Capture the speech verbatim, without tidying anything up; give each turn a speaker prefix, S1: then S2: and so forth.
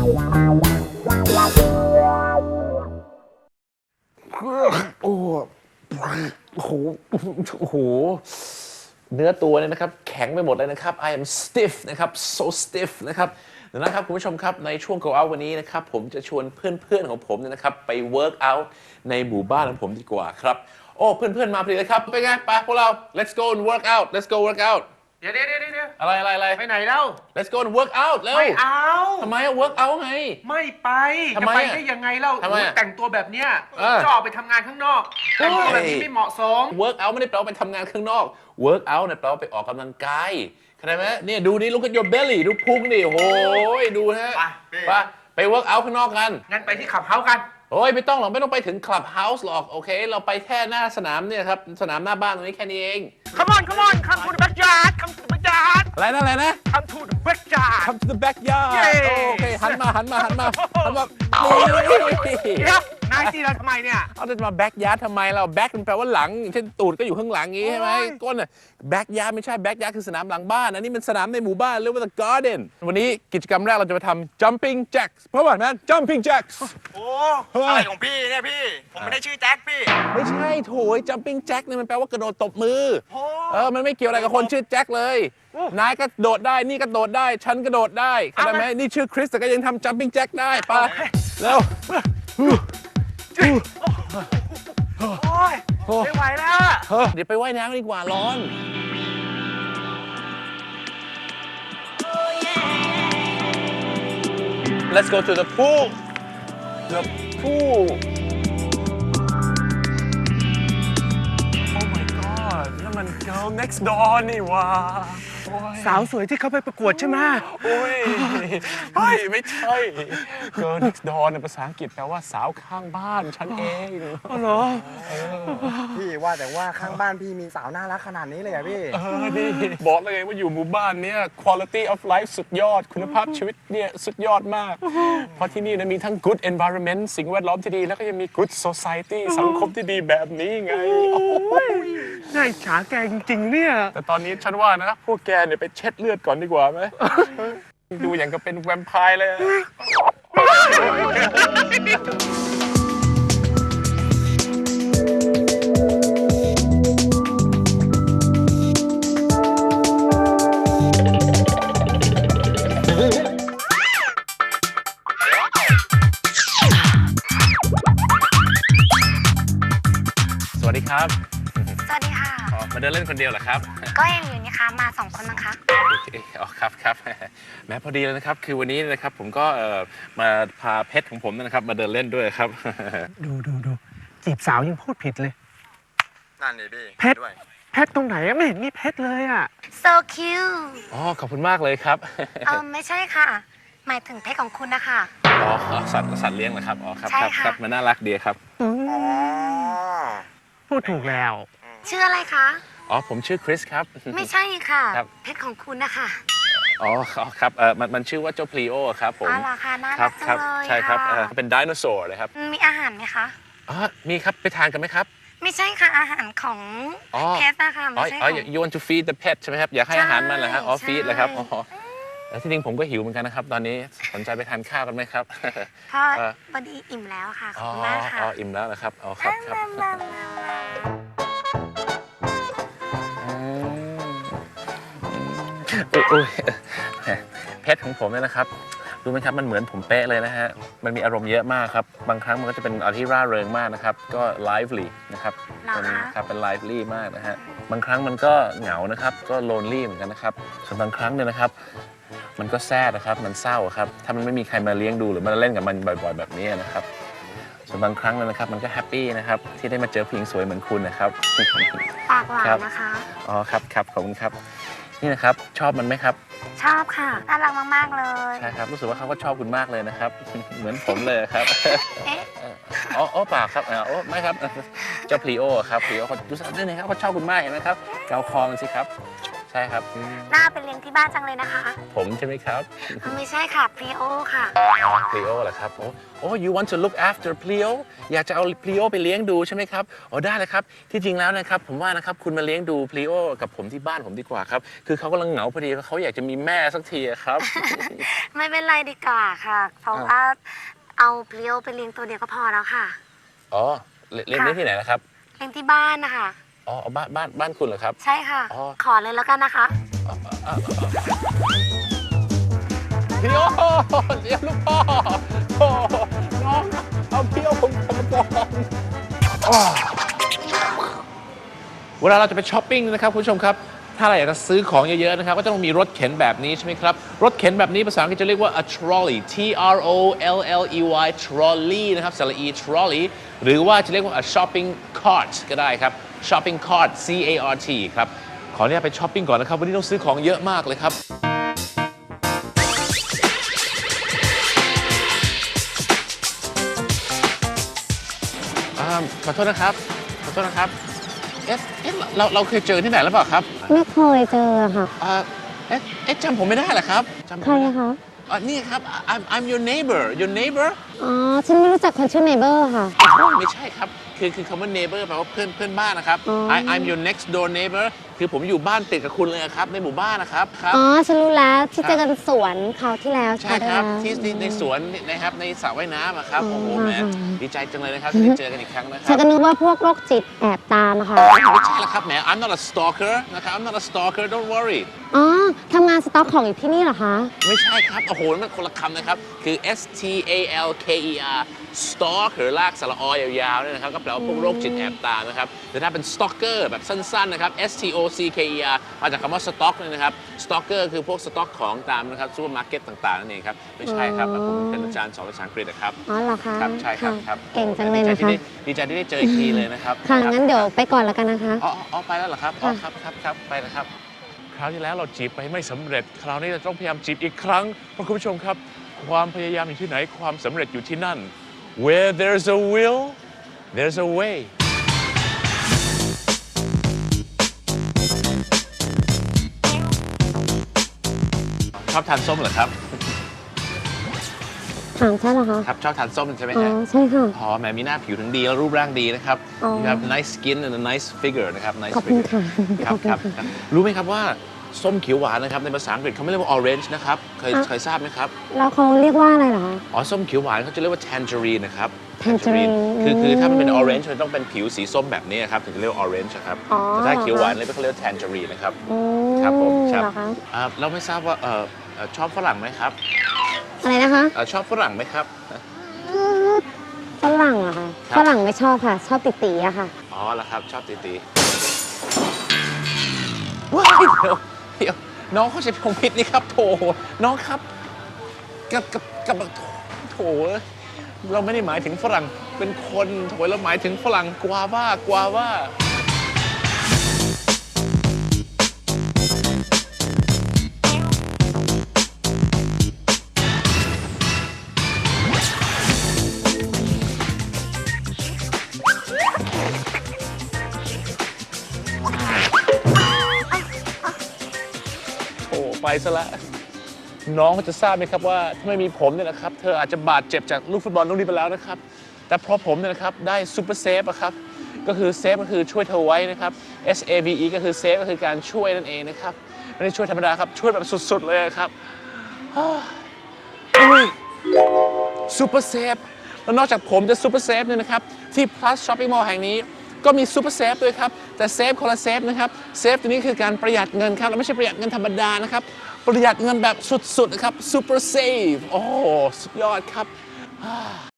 S1: โอ้โหโอ้โหเนื้อตัวเนี่ยนะครับแข็งไปหมดเลยนะครับ I am stiff นะครับ so stiff นะครับดังนั้นครับคุณผู้ชมครับในช่วง go out วันนี้นะครับผมจะชวนเพื่อนๆของผมเนี่ยนะครับไป work out ในหมู่บ้านของผมดีกว่าครับโอ้เพื่อนๆมาพอดีเลยครับเป็นไงไปพวกเรา let's go and work out let's go work out
S2: เดี๋ยวเดี๋ยวเดี๋ยว
S1: อะไรอะไรอะไร
S2: ไปไหนแล้ว
S1: let's go and work out เร็ว
S2: ไม่เอา
S1: ทำไมอะ work out ไง
S2: ไม่ไปจะ
S1: ทำไม
S2: ไปได้ยังไงเล่าแต่งตัวแบบเนี้ยจะออกไปทำงานข้างนอกแต่งตัวแบบนี้ไม่เหมาะสม
S1: work out ไม่ได้แปลว่าไปทำงานข้างนอก work out เนี่ยแปลว่าไปออกกำลังกายเข้าใจไหมเนี่ยดูนี่ look at your belly ดูพุงดิโอ้ยดูฮะไปไป work out ข้างนอกกัน
S2: งั้นไปที่ขับเฮ้ากัน
S1: โอ้ยไม่ต้องหรอกไม่ต้องไปถึง club house หรอกโอเคเราไปแค่หน้าสนามเนี่ยครับสนามหน้าบ้านตรงนี้แค่นี้เอง
S2: Come on come on come to the backyard come to the backyard
S1: อะไรนะอะไรนะ
S2: come to the backyard
S1: come to the backyard โอเคหันมาหันมาหันมาหันมา
S2: เดี๋ยวนายตีเราทำไมเนี่ย
S1: เอาจะมา backyard ทำไมเรา back มันแปลว่าหลังเช่นตูดก็อยู่ข้างหลังงี้ใช่ไหมก้นน่ะ backyard ไม่ใช่ backyard คือสนามหลังบ้านอันนี้มันสนามในหมู่บ้านเรียกว่า the garden วันนี้กิจกรรมแรกเราจะไปทำ jumping jacks เพราะว่าแมน jumping jacks
S3: โอ้อะไรของพี่เนี่ยพี่ผมไม่ได้ชื่อแจ็คพี่
S1: ไม่ใช่โถย jumping jack เนี่ยมันแปลว่ากระโดดตบมือเออมันไม่เกี่ยวอะไรกับคนชื่อแจ็คเลยนายก็โดดได้นี่ก็โดดได้ฉันก็โดดได้เข้าใจไหมนี่ชื่อคริสแต่ก็ยังทำ jumping jack ได้ไปเร็ว
S2: โอ้ยไม่ไหวแล้ว
S1: เดี๋ยวไปว่ายน้ำดีกว่าร้อน Let's go to the pool the pool Oh my god นั่นมัน girl next door นี่วะ
S2: สาวสวยที่เขาไปประกวดใช่ไหม
S1: โอ้ยเฮ้ยไม่ใช่ girl next door ในภาษาอังกฤษแปลว่าสาวข้างบ้านฉันเอง
S2: อ๋อเหรอ
S3: พี่ว่าแต่ว่าข้างบ้านพี่มีสาวน่ารักขนาดนี้เลยอะพี่
S1: เออนี่บอกเลยว่าอยู่หมู่บ้านเนี้ย quality of life สุดยอดคุณภาพชีวิตเนี่ยสุดยอดมากเพราะที่นี่นะมีทั้ง good environment สิ่งแวดล้อมที่ดีแล้วก็ยังมี good society สังคมที่ดีแบบนี้ไง
S2: น่าอิจฉาแกจริงๆเนี่ย
S1: แต่ตอนนี้ฉันว่านะพวกแกเนี่ยไปเช็ดเลือดก่อนดีกว่าไหมดูอย่างกับเป็นแวมไพร์เลยสวัสดีครับ
S4: สวัสดีค่ะ
S1: มาเดินเล่นคนเดียวเหรอครับ
S4: ก็ยังอยู่นี่คะมาสองคนมั้งคะ
S1: โอเคอ๋อครับครับแม้พอดีเลยนะครับคือวันนี้นะครับผมก็มาพาเพชรของผมนะครับมาเดินเล่นด้วยครับ
S2: ดูดูดูจีบสาวยังพูดผิดเลย
S3: นั่นนี่พี่
S2: เพชรเพชรตรงไหนไม่เห็นมีเพชรเลยอ่ะ
S4: so cute
S1: อ๋อขอบคุณมากเลยครับ
S4: เออไม่ใช่ค่ะหมายถึงเพชรของคุณนะคะ
S1: อ๋อสัตว์สัตว์เลี้ยงเหรอครับอ๋อครับครับครับมันน่ารักดีครับ
S2: พูดถูกแล้ว
S4: ชื่ออะไรคะ
S1: อ๋อผมชื่อคริสครับ
S4: ไม่ใช่ค่ะเพชรของคุณนะคะ
S1: อ๋อครับเออมันมันชื่อว่าเจ้าพลีโอครับผม
S4: อ๋อเหรอคะน่ารักจังเลย
S1: ใช่ครับเป็นไดโนเสาร์เลยครับ
S4: มีอาหารไหมคะ
S1: อ๋อมีครับไปทานกันไหมครับ
S4: ไม่ใช่ค่ะอาหารของเพชรนะคะไม่ใช่
S1: อ๋อ you want to feed the pet ใช่ไหมครับอยากให้อาหารมันเหรอฮะอ๋อ feed เลยครับอ๋อแล้วที่จริงผมก็หิวเหมือนกันนะครับตอนนี้สนใจไปทานข้าวกันไหมครับ
S4: พอพอดีอิ่มแล้วค่ะขอบคุณมากค่ะ
S1: อ๋ออิ่มแล้วนะครับอ๋อครับครับโอ้ยเพชรของผมเนี่ยนะครับรู้ไหมครับมันเหมือนผมเป๊ะเลยนะฮะมันมีอารมณ์เยอะมากครับบางครั้งมันก็จะเป็นอะไรที่ร่าเริงมากนะครับก็ lively นะครับเป็นครับเป็น lively มากนะฮะบางครั้งมันก็เหงานะครับก็ lonely เหมือนกันนะครับส่วนบางครั้งเนี่ยนะครับมันก็แซดนะครับมันเศร้าครับถ้ามันไม่มีใครมาเลี้ยงดูหรือมาเล่นกับมันบ่อยๆแบบนี้นะครับส่วนบางครั้งนะครับมันก็แฮปปี้นะครับที่ได้มาเจอผู้หญิงสวยเหมือนคุณนะครับ
S4: ปากหวานนะคะ
S1: อ๋อครับครับขอบคุณครับนี่นะครับชอบมันไหมครับ
S4: ชอบค่ะน่ารักมากๆเลย
S1: ใช่ครับรู้สึกว่าเขาก็ชอบคุณมากเลยนะครับเหมือนผมเลยครับ
S4: เอ๊ะ
S1: อ๋ออ๋อเปล่าครับอ๋อไม่ครับเจ้าพลีโอครับพลีโอเขาดูสักนิดนึงครับเขาชอบคุณมากเห็นไหมครับเกาคอมันสิครับใช่ครับอืม
S4: น่าไปเลี้ยงที่บ้านจังเลยนะคะ
S1: ผมใช่ไหมครับ
S4: ไม่ใช่ค่ะพลีโอค่ะ
S1: พลีโอเหรอครับโอ้โอ้ you want to look after Pleo อยากจะเอาพลีโอไปเลี้ยงดูใช่ไหมครับอ๋อได้เลยครับที่จริงแล้วนะครับผมว่านะครับคุณมาเลี้ยงดูพลีโอกับผมที่บ้านผมดีกว่าครับคือเขากำลังเหงาพอดีเขาอยากจะมีแม่สักทีอะครับ
S4: ไม่เป็นไรดีกว่าค่ะ เพราะว่าเอาพลีโอไปเลี้ยงตัวเดียวก็พอแล้วค่ะ
S1: อ๋อเลี้ยงเลี้ยงที่ไหนนะครับ
S4: เลี้ยงที่บ้านนะคะ
S1: อ๋อบ้านบ้านบ้านคุณเหรอครับ
S4: ใช่ค่ะ
S1: อ๋อ
S4: ขอเลยแล้วกันนะคะ
S1: พลีโอเลี้ยงลูกพ่อโอ้น้องเอาพลีโอผมผมมาก่อนเวลาเราจะไปช้อปปิ้งนะครับคุณผู้ชมครับถ้าเราอยากจะซื้อของเยอะๆนะครับก็ต้องมีรถเข็นแบบนี้ใช่ไหมครับรถเข็นแบบนี้ภาษาอังกฤษจะเรียกว่า a trolley T R O L L E Y trolley นะครับสระ e trolley หรือว่าจะเรียกว่า a shopping cart ก็ได้ครับ shopping cart C A R T ครับขออนุญาตไปช้อปปิ้งก่อนนะครับวันนี้ต้องซื้อของเยอะมากเลยครับขอโทษนะครับขอโทษนะครับเอ๊ะเอ๊ะเราเราเคยเจอที่ไหนหรือเปล่าครับ
S5: ไม่เคยเจอค่ะ
S1: อ่าเอ๊ะเอ๊ะจำผมไม่ได้เหรอครับจำผม
S5: ใคร
S1: ไม่ได้
S5: อะคะ
S1: อ่านี่ครับ I'm I'm your neighbor your neighbor
S5: อ๋อ ฉันไม่รู้จักคนชื่อเนเบอร์ค่ะ
S1: ไม่ใช่ครับคือคือคำว่า neighbor แปลว่าเพื่อนเพื่อนบ้านนะครับ
S5: อ๋อ
S1: I I'm your next door neighbor คือผมอยู่บ้านติดกับคุณเลยครับในหมู่บ้านนะครับครับ
S5: อ๋อ ฉันรู้แล้วที่เจอกันสวนคราวที่แล้ว
S1: ใช่ครับ
S5: แล้ว
S1: ที่ในในสวนนะครับในสระว่ายน้ำอะครับ
S5: อ๋อ
S1: โอ้โหแหม
S5: ค่ะ
S1: ดีใจจังเลยนะครับที่ได้เจอกันอีกครั้งนะค
S5: ฉั
S1: รั
S5: น
S1: บ
S5: ก็นึกว่าพวกโรคจิตแอบตามอะค่ะ
S1: ไม่ใช่ละครับแหม I'm not a stalker นะครับ I'm not a stalker don't worry
S5: อ๋อ ทำงานสต็อกของอยู่ที่นี่เหรอคะ
S1: ไม่ใช่ครับโอ้โหมันคนละคำนะครับคือ S T A L K E R stalker ลากสระออยาวๆเนี่ยนะครับก็แปลว่าพวกโรคจิตแอบตามนะครับแต่ถ้าเป็น stalker แบบสั้นๆนะครับ S T O C K E R มาจากคำว่า stock เนี่ยนะครับ stalker คือพวกสต็อกของตามนะครับซูเปอร์มาร์เก็ตต่างๆนั่นเองครับไม่ใช่ครับ
S5: อ๋อ
S1: ผมเป็นอาจารย์สอนภาษาอังกฤษนะครับ
S5: อ๋อเหรอคะ
S1: ครับใช่ครับครับ
S5: เก่งจังเลยนะคะ
S1: ดีใจที่ได้เจออีกทีเลยนะครับ
S5: ค่ะ งั้นเดี๋ยวไปก่อนแล้วกันนะคะ
S1: อ๋ออ๋อไปแล้วเหรอครับอ๋อครับครับครับไปนะครับคราวที่แล้วเราจีบไปไม่สำเร็จ คราวนี้เราต้องพยายามจีบอีกครั้งเพราะคุณผู้ชมครับความพยายามอยู่ที่ไหนความสำเร็จอยู่ที่นั่น Where there's a will there's a way ชอบทานส้มเหรอครับ
S5: ถามใช่เหรอคะ
S1: ครับชอบทานส้มใช่ไหม
S5: อ๋อ
S1: ฮะ
S5: ใช่ค่ะ
S1: อ๋อแหมมีหน้าผิวถึงดีแล้วรูปร่างดีนะครับ
S5: อ๋อ
S1: You have nice skin and a nice figure นะครับ nice
S5: ขอบคุณ
S1: figure
S5: ค่ะ
S1: ครับ
S5: ขอบคุณ
S1: ครับ
S5: ค่ะ
S1: ครับรู้ไหมครับว่าส้มเขียวหวานนะครับในภาษาอังกฤษเขาไม่เรียกว่า orange นะครับเคย
S5: อ่ะ
S1: เคยทราบไหมครับ
S5: แล้วเขาเรียกว่าอะไรเหรอคะ
S1: อ๋อส้มเขียวหวานเขาจะเรียกว่า tangerine นะครับ
S5: tangerine
S1: คือคือถ้ามันเป็น
S5: อืม
S1: orange มันต้องเป็นผิวสีส้มแบบนี้ครับถึงจะเรียกว่า orange อะครับ
S5: อ๋อ
S1: แต่ถ้าเขียวหวาน
S5: เหรอคะ
S1: เลยเขาเรียกว่า tangerine นะครับ
S5: อืม
S1: ครับผมครับ
S5: เหรอคะ
S1: อ่าเราไม่ทราบว่าเอ่อเอ่อชอบฝรั่งไหมครับ
S5: อะไรนะคะ
S1: เอ่อชอบฝรั่งไหมครับ
S5: ฝรั่งเหรอคะ
S1: ครับ
S5: ฝรั่งไม่ชอบค่ะ ชอบติตีอะค่ะ
S1: อ๋อแล้วครับชอบตีตีว้ายเดี๋ยวเดี๋ยวน้องเขาใช้พงพิษนี่ครับโถน้องครับกับกับกับโถโถเราไม่ได้หมายถึงฝรั่งเป็นคนโถเราหมายถึงฝรั่งกวาว่ากวาว่าโอ้ไปซะละน้องเขาจะทราบไหมครับว่าถ้าไม่มีผมเนี่ยนะครับเธออาจจะบาดเจ็บจากลูกฟุตบอลลูกนี้ไปแล้วนะครับแต่เพราะผมเนี่ยนะครับได้ซูเปอร์เซฟอะครับก็คือเซฟก็คือช่วยเธอไว้นะครับ S A V E ก็คือเซฟก็คือการช่วยนั่นเองนะครับไม่ได้ช่วยธรรมดาครับช่วยแบบสุดๆเลยครับซูเปอร์เซฟแล้วนอกจากผมจะซูเปอร์เซฟเนี่ยนะครับที่ Plus Shopping Mall แห่งนี้ก็มีซูเปอร์เซฟด้วยครับแต่เซฟคนละเซฟนะครับเซฟตัวนี้คือการประหยัดเงินครับและไม่ใช่ประหยัดเงินธรรมดานะครับประหยัดเงินแบบสุดๆนะครับซูเปอร์เซฟโอ้โหสุดยอดครับ